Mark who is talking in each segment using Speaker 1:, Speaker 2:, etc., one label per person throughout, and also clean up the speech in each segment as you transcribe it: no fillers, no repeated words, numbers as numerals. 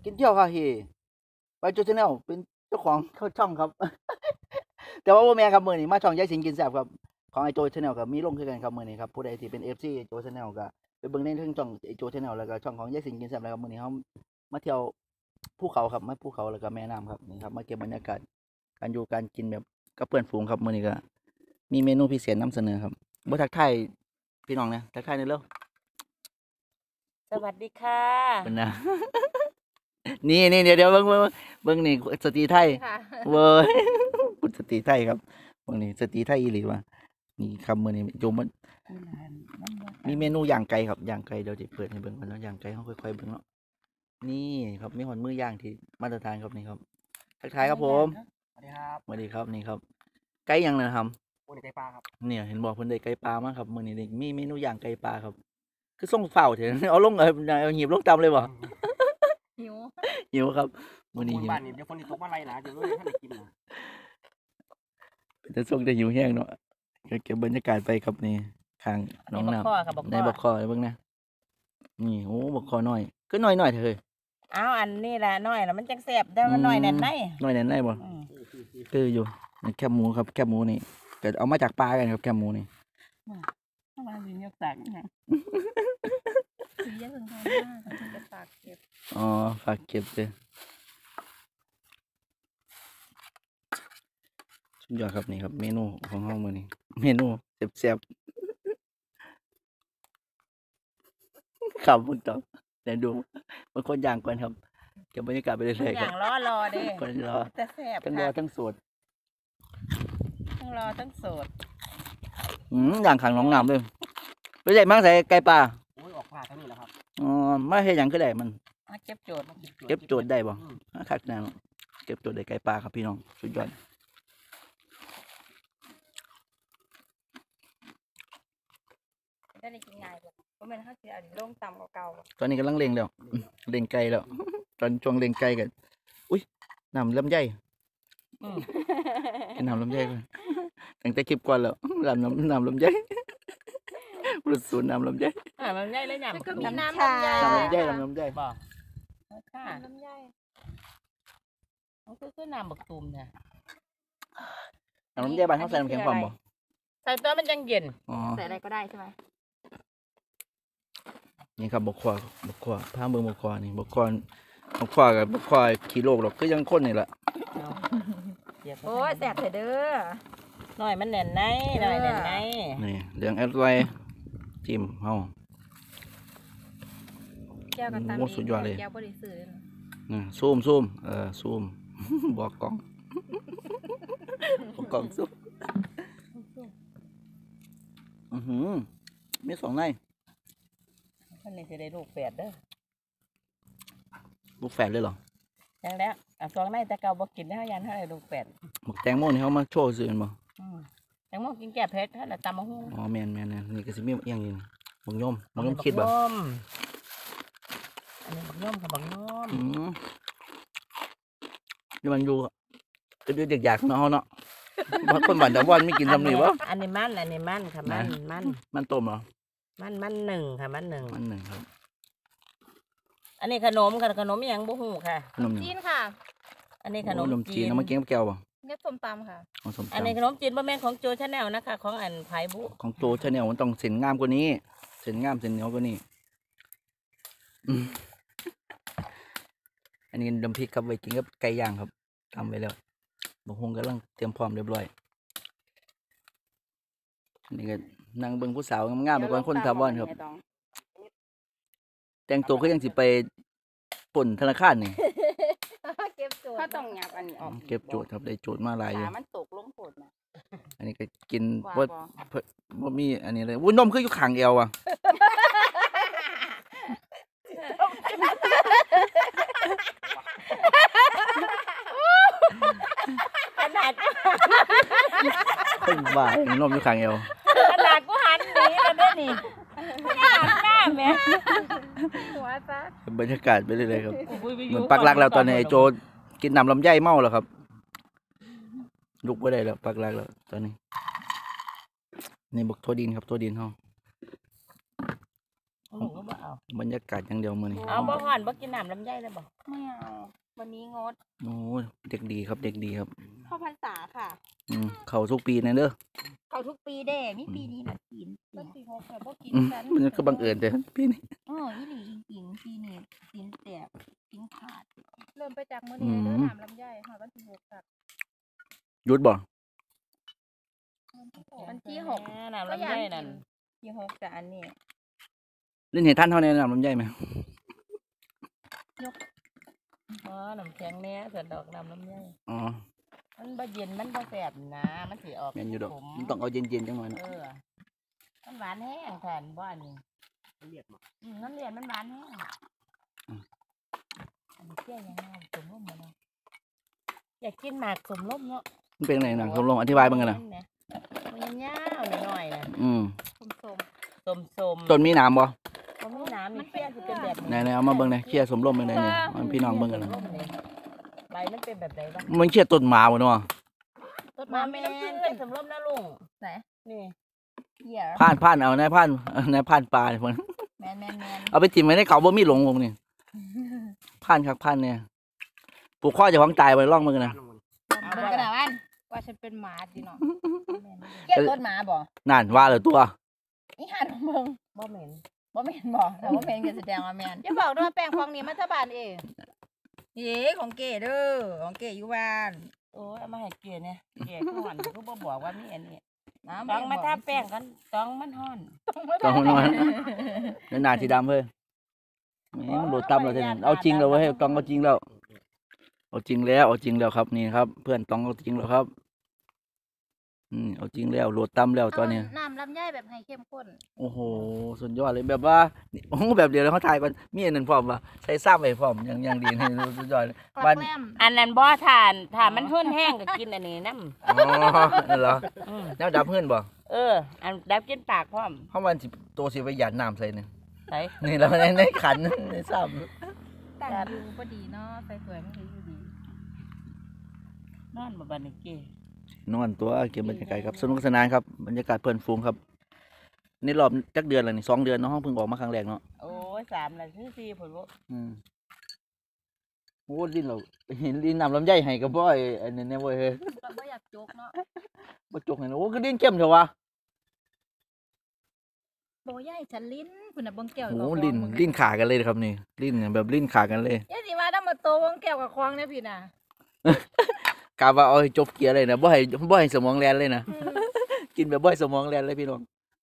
Speaker 1: กินเที่ยวค่ะเฮไปโจชแนลเป็นเจ้าของเข้าช่องครับ แต่ว่าแม่ครับมื้อนี้มาช่องยายสิงกินแซ่บครับของไอโจชแนลกับมีลงคือกันครับมื้อนี้ครับผู้ใดที่เป็น FC โจชแนลก็ไปเบิ่งในทั้งช่องไอโจชแนลแล้วก็ช่องของยายสิงกินแซ่บแล้วครับมื้อนี้เฮามาเที่ยวภูเขาครับมาภูเขาแล้วก็แม่น้ำครับนี่ครับมาเก็บบรรยากาศการอยู่การกินแบบกับเพื่อนฝูงครับมื้อนี้ก็มีเมนูพิเศษนำเสนอครับบ่ทักทายพี่น้องนะทักทายหน่อยเร็ว
Speaker 2: สวัสดีค่ะ
Speaker 1: เพิ่นน่ะ นี่เดี๋ยวเบิ่งนี่สตรีไทย
Speaker 2: ค่ะ
Speaker 1: เว้ย พูดสตรีไทยครับเบิ่งนี่สตรีไทยอีหลีว่ะนี่ครับมื้อนี้โยมมันมีเมนูย่างไก่ครับย่างไก่เดี๋ยวสิเปิดให้เบิ่งก่อนเนาะย่างไก่เฮาค่อยๆเบิ่งเนาะนี่ครับมีหอนมือย่างที่มาตรฐานครับนี่ครับทักทายครับผม
Speaker 3: สวัสดีครับ
Speaker 1: สวัสดีครับนี่ครับไก่ย่างนะครับ
Speaker 3: โอ้ยไก่ปลาครับ
Speaker 1: เนี่ยเห็นบอกเพิ่นได้ไก่ปลามาครับมื้อนี้นี่มีเมนูย่างไก่ปลาครับ คือส่งเฝ้าเถอะ เอาลงเอาหีบลงตำเลยบ่
Speaker 2: หิว
Speaker 1: หิวครับมื้อนี้
Speaker 3: คน
Speaker 1: หิว
Speaker 3: บ้านนี่เดี๋ยวคนที่ตกมาไรนะเดี๋ยวท่านได้กินนะ
Speaker 1: จะส่งได้หิวแห้งเนาะเก็บบรรยากาศไปครับนี่ข้างหน้องน้
Speaker 2: บักข้อค่ะบัก
Speaker 1: ำ
Speaker 2: ข้
Speaker 1: ใน
Speaker 2: อ
Speaker 1: บักคอเบิ่งนะนี่โอ้บักคอน้อยก็น้อยเถอะเฮ้ย
Speaker 2: อ้าวอันนี้ล่ะน้อยล่ะมันจังแซ่บแต่มันน้อยแน่นใน
Speaker 1: น้อยแน่นได้บ่
Speaker 2: อืม
Speaker 1: คืออยู่นี่แคบหมูครับแคบหมูนี่ก็เอามาจากปลากันครับแคบหมูนี่
Speaker 2: เข้ามาสิยกตักนะสีเยอะถึงทางหน้าเขาจะตักเก็บ
Speaker 1: อ๋อฝากเก็บเลยสุดยอดครับนี่ครับเมนูของเฮามื้อนี้เมนูแซ่บๆครับคุณต่อเดี๋ยวดูบางคนย่างก่อนครับเก็บบรรยากาศไปเรื่อยๆ
Speaker 2: อ
Speaker 1: ครั
Speaker 2: ย่า
Speaker 1: บ
Speaker 2: งรอเด้
Speaker 1: คนรอ
Speaker 2: แต่แซ่บ
Speaker 1: ทั้งรอ
Speaker 2: ค่ะ
Speaker 1: ทั้งสด
Speaker 2: ทั้งรอทั้งโสด
Speaker 1: ย่างขังหนองน้ำเลยไปใหญ่มากใส่ไก่ปลา
Speaker 3: โอ้ยออกปลาเท่านี้แหละครับ
Speaker 1: อ๋อมาเฮ็ดหยังคือได้มัน
Speaker 2: มาเก็บโจทย์
Speaker 1: เก็บโจทย์ได้บ่คักแน่เนาะเก็บโจทย์ได้ไก่ปลาครับพี่น้องสุดยอด
Speaker 2: ได้กินง่ายกว่าเพราะมันเขาสิเอาลงต่ำกว่าเก่า
Speaker 1: ตอนนี้กำลังเล็งแล้วเล็งไก่แล้ว ตอนช่วงเล็งไก่กันอุ้ยน้ำลำไย
Speaker 2: อืม
Speaker 1: กินน้ำลำไยก่อนตั้งแต่คลิปก่อนแล้วน้ำลำไยรู้สูตรน้ำลำไย
Speaker 2: มันง่ายเลยหยำ
Speaker 4: ก็มี
Speaker 2: น้ำ
Speaker 4: น้ำ
Speaker 2: ชา
Speaker 4: ลำไย
Speaker 1: น้ำลำไย
Speaker 2: บ่ค่ะ
Speaker 4: ลำไย
Speaker 2: มันคือน้ำบักตูมเนี่ย
Speaker 1: น้ำลำไยบ้านเขาใส่น้ำแข็งพร้อมบ่
Speaker 2: ใส่ตัวมันจังเย็น
Speaker 1: อ๋อ
Speaker 4: ใส่อะไรก็ได้ใช่ไหม
Speaker 1: นี่ครับบกขวาพาเบิ่งบกขวานี่บกขวากับบกขวาขี้โลกหรอกคือยังคนนี่แหละ
Speaker 4: โอ้ยแสบเถอะเด้อ
Speaker 2: หน่อยมันแน่นในหน่อยแน่นใน
Speaker 1: นี่เหลืองแอดไวจิ้มเฮา
Speaker 4: แก้วกับตา
Speaker 1: โอ้สุดยอดเลย
Speaker 4: แก้วบริสุทธิ์เลยนะ
Speaker 1: ซูมซูม บอกกล้องบอกกล้องซูมมีสองใน
Speaker 2: มันนี่สิได้ลูกแฝดเด้อ
Speaker 1: ลูกแฝดเลยเหรอ
Speaker 2: จังแล้วสองในแต่เก่าบ่กินได้ยันเท่าไหร่ลูกแฝด
Speaker 1: บอกแตงโมนี่เขามาโชว์ซื่อแม่นบ่
Speaker 2: จังมองกินแก้เผ็ดเท่าไหร่ตำมะฮุ่ง
Speaker 1: อ๋อแม่นนี่ก็สิมีอย่างนี้บักย่อมคิดบ่
Speaker 2: อันนี้บักย่อมกับบักย่อม
Speaker 1: นี่มันอยู่ก็เด็กอยากเนาะเฮาเนาะคนบ้านตะวันมีกินซำนี้บ่
Speaker 2: อันนี้มันค่ะมัน
Speaker 1: ต้มเหรอ
Speaker 2: มันหนึ่งค่ะมันหนึ่ง
Speaker 1: มันหนึ่งครับ
Speaker 2: อันนี้ขนมค่ะขนมอหยังบ่ฮู้ค่ะ
Speaker 1: ขนมหยัง
Speaker 4: จีนค่ะ
Speaker 2: อันนี้ขนม
Speaker 1: ขนมจี
Speaker 2: จี
Speaker 1: น
Speaker 2: น
Speaker 1: เอามากินกับแก้วบ่
Speaker 4: เรียกส้มตำค่ะ
Speaker 1: เอาส้ม
Speaker 2: อันนี้ข
Speaker 1: ตำ
Speaker 2: นมจีนบ่แม่นของโจชาแนลนะคะ ของอันไผบุ
Speaker 1: ของโจชาแนลมันต้องเส้นงามกว่านี้เส้นงามเส้นเหนียวกว่านี้อันนี้น้ำพริกครับไว้กินกับไก่ย่างครับทำไว้แล้วบางคงกำลังเตรียมพร้อมเรียบร้อยอันนี่ก็นั่งเบิ่งผู้สาวงามๆไปก่อนคนทาวอนครับ แต่งตัวก็ยังสิไปปล้นธนาคารนี่
Speaker 4: เก็บโจทย์
Speaker 2: ถ้าต้องหยับอันนี้ออก
Speaker 1: เก็บโจทย์ครับได้โจทย์มาหลายอยู่
Speaker 2: ขามันตกลงโผดนะ
Speaker 1: อันนี้ก็กิน
Speaker 2: ว่า
Speaker 1: บ่มีอันนี้เลยวุ้นนมคืออยู่ข้างเอวอ่ะ
Speaker 2: ขนาด
Speaker 1: เพิ่งว่านมอยู่ข้างเอว
Speaker 2: กูหันหนีแล้วเด้อนี่หันหน้าแม่
Speaker 4: หัวซะ
Speaker 1: บรรยากาศไปเรื่อยๆครับเหมือนปักหลักแล้วตอนนี้ไอ้โจกินน้ำลำไยเมาแล้วครับลุกไม่ได้แล้วปักหลักแล้วตอนนี้นี่บักทั่วดินครับทั่วดินเฮา
Speaker 2: ลูกก็บ่เอา
Speaker 1: บรรยากาศอย่างเดียวมื้อนี้
Speaker 2: เอาบ่ห่อนบ่กินน้ำลำไยเลยบ่
Speaker 4: ไม่เอาวันนี้งด
Speaker 1: โอ้ยเด็กดีครับเด็กดีครับ
Speaker 4: เข้าพรรษาค่ะ
Speaker 1: เข้าทุกปีนะเด้อ
Speaker 4: เขาทุกปีเด้มีปีนี้มากินก็ปีหกแต่บ่กิน กัน
Speaker 1: มันก็บังเอิญแต่ปีนี้
Speaker 4: อีหลีจริงๆปีนี้กินแตกกินขาด เริ่มไปจากมื้อนี้เด้อน้ำลำไยหอดวันที่6ค่ะ
Speaker 1: หยุดบ่
Speaker 4: วันที่หก
Speaker 2: น้ำลำไยนั่น
Speaker 4: ที่6แต่อันนี้
Speaker 1: เล่นเห็นท่านเท่าในน้ำลำไยไหม
Speaker 2: อ๋อน้ำแข็งแน่ส่วนดอกน้ำลำไย
Speaker 1: อ๋อ
Speaker 2: มันบ่เย็นมันบ่แสบนะมันสิออก
Speaker 1: แม่นอยู่ดอก
Speaker 2: ขม
Speaker 1: มันต้องเอาเย็นๆจังหน่อยนะ
Speaker 2: มันหวานแห้งแทนบ่อันนี้
Speaker 3: เรียกมา
Speaker 2: น้ำเลียนมันหวานแห้งอันนี้เกี้ยยังไงสมร่มมาเนาะอยากกินหมากสมร่มเนาะ
Speaker 1: มันเป็นไงหนังผมลองอธิบายบ้างกันนะ
Speaker 2: มันยาวๆหน่อยๆนะ
Speaker 4: ส้ม
Speaker 2: สม
Speaker 1: ต้นมีหนามบ่
Speaker 2: ๆมันมีน้ำมีเกี้ยสิเป็นแบบ
Speaker 1: ไหนๆเอามาเบิ่งหน่อยเคลียร์สมร่มเบิ่งหน่อยนี่มันพี่น้องเบิ่งกันนะ
Speaker 2: ใบมันเป็นแบบไหนบ้าง
Speaker 1: มันเคลียร์ต้นหมาบ่เนาะ
Speaker 4: ต้น
Speaker 2: มา
Speaker 4: มา
Speaker 2: แม่
Speaker 4: ไม่
Speaker 2: น
Speaker 4: น้ำ
Speaker 2: เป็
Speaker 4: ขึ้
Speaker 2: น
Speaker 4: น
Speaker 2: สมร่มนะลุง
Speaker 4: ไหน
Speaker 2: นี่
Speaker 4: เหี้ย
Speaker 1: ผ่านเอานายผ่านนายผ่านปลาเนี่ยพุ่น
Speaker 4: แมน
Speaker 1: เอาไปจิ้มไว้ในเขาบ่มีหลงผมนี่ผ่านครับผ่านเนี่ยปลูกข้อเจะของตายไปลองเบิ่งกันนะ
Speaker 4: เบิ่งกันนะวันว่าฉันเป็นหมาสิเนาะเก็บต้นหมาบ่
Speaker 1: นั่นว่าแล้วตัว
Speaker 4: อีหันเบิ่ง
Speaker 2: บ่เหม็น
Speaker 4: บ่แม่นบ่แต่ว่าแม่นก็แสดงว่าแม่นอย่าบอกด้วยว่าแป้งฟองนี้มันทบานเองเย้ของเก๋เด้อของเก๋อยู่บ้าน
Speaker 2: โอ้ยเอามาให้เกลี่ยเนี่ยเกลี่ยก่อนก็บ่บอกว่ามีอันนี้
Speaker 4: น้ำ
Speaker 2: ต้องมาทาแป้งกันต้องมันฮ้อน
Speaker 1: ต้องนอนแล้วหน้าสีดำเฮ้ยแหมมันโดดต่ำแล้วเท่านั้นเอาจริงแล้วเว้ยต้องเอาจริงแล้วเอาจริงแล้วครับนี่ครับ เพื่อนต้องเอาจริงแล้วครับเอาจริงแล้วโหลดต่ำแล้วตอนนี้
Speaker 4: น้ำลำไยแบบให้เข้มข้น
Speaker 1: โอ้โหสุดยอดเลยแบบว่าโอ้โหแบบเดียวเลยเขาถ่ายก่อนมีอันนั้นพร้อมว่าใส่ซ้ำไปพร้อมอย่างดีนี่สุดยอดเลย
Speaker 4: กลั
Speaker 1: บ้าน
Speaker 4: บแกล้ม
Speaker 2: อันนั้นบ่ทานถ้ามันเฮือนแห้งก็กินอันนี้น้
Speaker 1: อ๋อนั่นเหรอ
Speaker 2: ำ
Speaker 1: แล้วดับเพื่อนบ่
Speaker 2: อันดับกินปากพร้อม
Speaker 1: เพราะมันสิตัวสิไปหยาดน้ำใส่เนี่ย
Speaker 2: ใส่
Speaker 1: นี่แล้วในขันในซ้
Speaker 4: ตั้งอยู่พอดีเนาะใส่สวยมันคืออยู่ดี
Speaker 2: นอนบ่บัดนี้เกลี่ย
Speaker 1: ำนอนตัวเก็บบรรยากาศครับสนุกสนานครับบรรยากาศเพื่อนฟูงครับนี่รอบจักเดือนแล้วนี่2 เดือนเนาะห้องเพิ่งออกมาครั้งแรกเนาะ
Speaker 2: โอ้ย3แล้วคือ4พุ่นบ่
Speaker 1: โอ้ลิ้นเราเห็นลิ้นน้ำลำไยให้กับบ่อยอันนี้เนี่ยเว้ย
Speaker 4: ก็บ่อยากจกเนาะ
Speaker 1: บ่จกให้นะโอ้คือลิ้นเข้มเถอะวะ
Speaker 4: โบใหญ่ฉันลิ้นพุ่นน่ะเบิ่งแก้ว
Speaker 1: โอ้ลิ้นขากันเลยครับนี่ลิ้นแบบลิ้นขากันเลย
Speaker 4: อย่าสิว่าถ้ามาโตเบิ่งแก้วกับควางเนี่ยพี่น่ะ
Speaker 1: กะว่าเอาให้จบเกียร์เลยนะบ่ให้สมองแล่นเลยนะ กินแบบบ่ให้สมองแล่นเลยพี่น้อง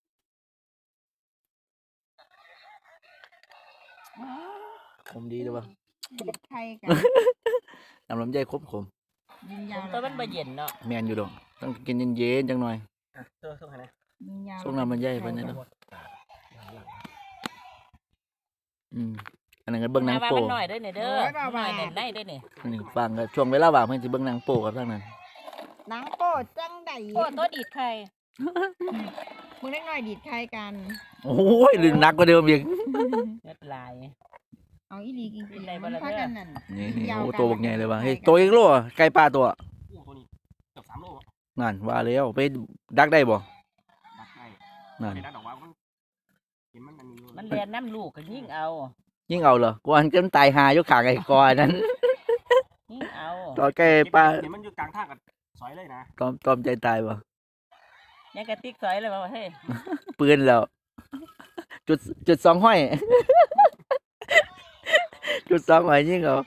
Speaker 1: ผมดีเลยว่ะ
Speaker 4: ไทยกัน
Speaker 1: น้ำลำไยครบขม
Speaker 4: ยิงยาว
Speaker 2: ตัวมันบ่เย็นเนาะ
Speaker 1: แม่นอยู่ดอกต้องกินเย็นๆจังหน่อย
Speaker 3: เจอส่งให้นะ
Speaker 4: ยิงยาว
Speaker 1: ส่งน้ำลำไยไปนั่นเนาะอันนั้นก็เบิ่งหนัง
Speaker 2: ว่า
Speaker 1: โป้
Speaker 2: มันน้อยเด้อเนี่ยเด้อน้อยในเด้อเนี่ย
Speaker 1: อันนี้ฟังก็ช่วงเวลาว่างเพิ่นสิเบิ่งหนังโป้ครับทางนั้น
Speaker 4: หนังโป้จังได๋โป้ตัวดีดไข่มึงเล็กน้อยดีดไข่กัน
Speaker 1: โอ้ยลืมหนักกว่าเดิมอีก
Speaker 2: เม็ดลาย
Speaker 4: เอาอีหลีกิน
Speaker 2: กินได้บ่ล่ะ
Speaker 4: พา
Speaker 2: เด้อ
Speaker 4: กันนั่น
Speaker 1: นี่โอ้ตัวบักใหญ่เลยว่ะเฮ้ยตัวอีกโลอะไก่ปลาตัว
Speaker 3: กุ้งตัวนี้เกือบ3 โลอะ
Speaker 1: นั่นว่าแล้วไปดักได้บ่
Speaker 3: ดักได้
Speaker 1: นั่น
Speaker 3: ไม่ได้ดอกว่ามันเห็นมันอันนี้อยู่
Speaker 2: มันเรียนน้ำลูกก็ยิ่งเอา
Speaker 1: ยิ่งเอาเหรอกวนกันตายหาอยู่ข้างไอ้กอนั้น
Speaker 2: ยิ่งเอา
Speaker 1: ตอนไก่ปลา
Speaker 3: เห็นมันอยู่กลางทางกับซอยเลยนะ
Speaker 1: ตอมใจตายบ่
Speaker 2: ยังกระติกสอยเลยว่าเฮ้ย
Speaker 1: ปืนแล้ว จุด2 ห้อย จุด2 ห้อยยิ่งเอา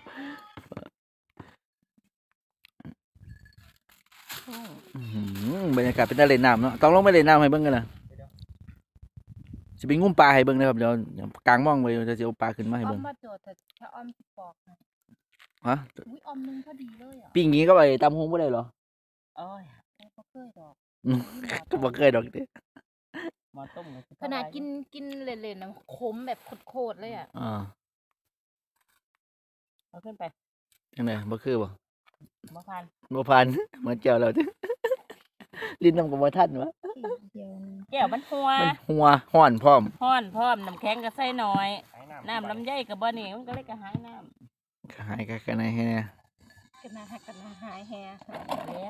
Speaker 1: บรรยากาศเป็นตะเล่นน้ำเนาะต้องลงไปเล่นน้ำให้เบิ่งกันนะสิไปงุ้มปลาให้เบิ่งนะครับเดี๋ยวกลางม่องไว้เดี๋ยวสิเอาปลาขึ้นมาให้
Speaker 4: อ้อ
Speaker 1: เบิ่
Speaker 4: ม
Speaker 1: ง
Speaker 4: มาโจทย์ถ้าอ้อมสิปอกนะ
Speaker 1: ฮะ
Speaker 4: อุ้ยอ้อมนึงพอดีเลยอ่ะ
Speaker 1: ปิ้งงี้ก็ไปตำฮงบ่ได้เหรอ
Speaker 2: โอ้ย
Speaker 4: บ่เคยดอก
Speaker 1: ก็บ่เคยดอกเด้
Speaker 2: หมอต้มก็สิ
Speaker 4: ขนาดกินเล่นๆนะขมแบบโคตรๆเลยอ่ะ
Speaker 1: อ่า
Speaker 2: เอาขึ้นไป
Speaker 1: จังได๋บ่คือบ่
Speaker 2: บ่พัน
Speaker 1: บ่ผ่าน เหมือนแก้วแล้วเด้ ลิ้นน้ำก็บ่ทันวะ
Speaker 4: เดียวนึง
Speaker 2: แก้วมันหัว
Speaker 1: มันหัวฮ้อนพร้อม
Speaker 2: ฮ้อนพร้อมน้ำแข็งก็ใส่น้อย
Speaker 3: ไอ้
Speaker 2: น้ำลำไยก็บ่นี่มันก็เลยกระหายน้
Speaker 1: หายกันไหนให้แน่
Speaker 4: กันนาหักกันนาหายแฮ
Speaker 2: ำแล้ว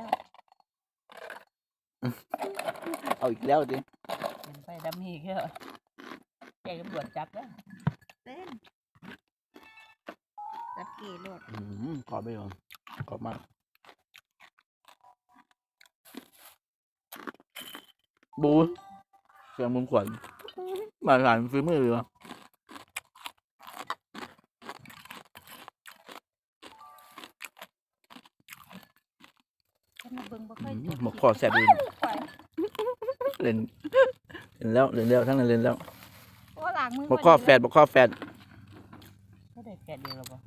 Speaker 1: เอาอีกแล้วติ
Speaker 2: มันไปดำอีกแล้วใจตำรวจจับแล้ว
Speaker 4: เต้นจับเก๋โลด
Speaker 1: กรอบไปก่อนกรอบมากบูเสียงมุมขวัญมาหลานฝีมือเลยวะ
Speaker 4: ฉันมาเบิ่งบ่เคย
Speaker 1: หมกคอแสบดีเล่นแล้วทั้งนั้นเล่นแล้ว
Speaker 4: โอ้หลังมือ
Speaker 1: หมกคอแฟด
Speaker 2: ก็ได้แกะเดียวแล้วบ่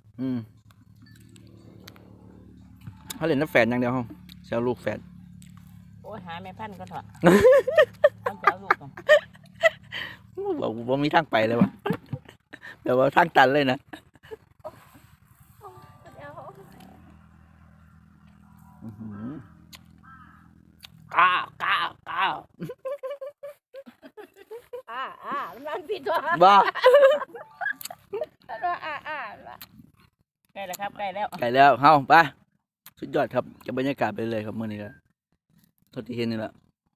Speaker 1: เขาเล่นน้ำแฟดอย่างเดียวเขาเซลลูกแฟด
Speaker 2: โอ้ยหาแม่พันธุ์ก็เถอะเอาจะเอาลูกก่อน
Speaker 1: บอกว่ามีทางไปเลยวะแบบว่าทางตันเลยนะก้าว
Speaker 4: มันรังผิดตัว
Speaker 1: บ้า
Speaker 4: ตัวละ
Speaker 2: ใกล้แล้วครับใกล้แล้ว
Speaker 1: ไก่แล้วเฮาไปสุดยอดครับกับบรรยากาศไปเลยครับเมื่อนี้ก็เท่าที่เห็นนี่แหละ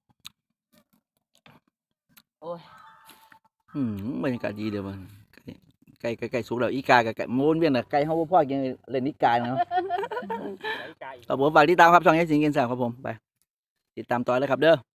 Speaker 2: โอ้ย
Speaker 1: บรรยากาศดีเดี๋ยวมันไก่สุกแล้วอีกากับไก่ม้วนเวียนนะไก่เฮาบ่พ่อกินเล่นอีกาเนาะ
Speaker 3: ไก่
Speaker 1: ครับผมฝากติดตามครับช่องยายสิงห์กินแซ่บครับผมไปติดตามต่อเลยครับเด้อ